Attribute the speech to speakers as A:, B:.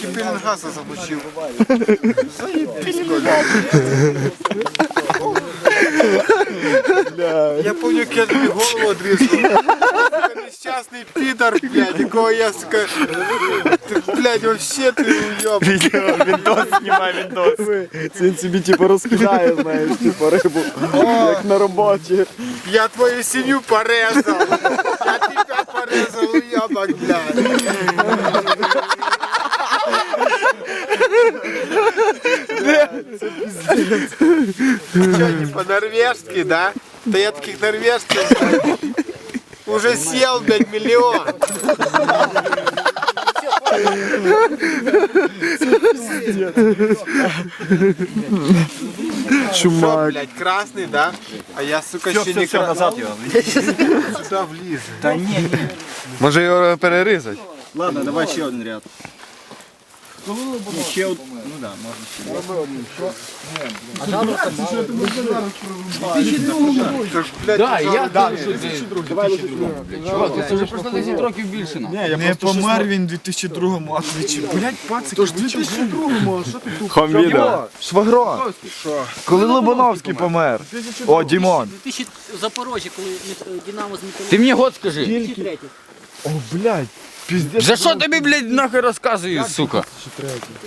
A: тільки пеленгаса замочив. Я пам'ятаю, як я тобі голову одрізав. Нещасний підар, блядь, якого я, сука, блядь, вообще ти уйоб.
B: Відос знімай, відос.
C: Він собі типу розкидає, знаєш, типу рибу, як на роботі.
A: Я твою сім'ю порезав. Я тебе порезав, уйобок, блядь. Че, не по-норвежски, да? Да я таких норвежских знаю. Уже съел, блядь, миллион. Шо, блядь, красный, да? А я, сука, ще не красный.
B: назад його.
A: Сюда вліз.
B: Та ні.
C: Може його перерізати?
B: Ладно, давай ще один ряд. Ні, ще один. Ну да, можна ще.
D: Да, я теж. Чувак, це вже просто 10 років більше нам.
C: Не помер він у 2002-му, а твічі. Блять, пацики, в 2002-му, а що ти тут? Хомвіда. Швагро. Коли Лобановський помер? О, Дімон.
E: 2000 в Запорожжі, коли Динамо з Металургом.
D: Ти мені год скажи.
E: 2003.
C: О, блядь, піздець.
D: За що тобі, блядь, нахуй розказую, сука?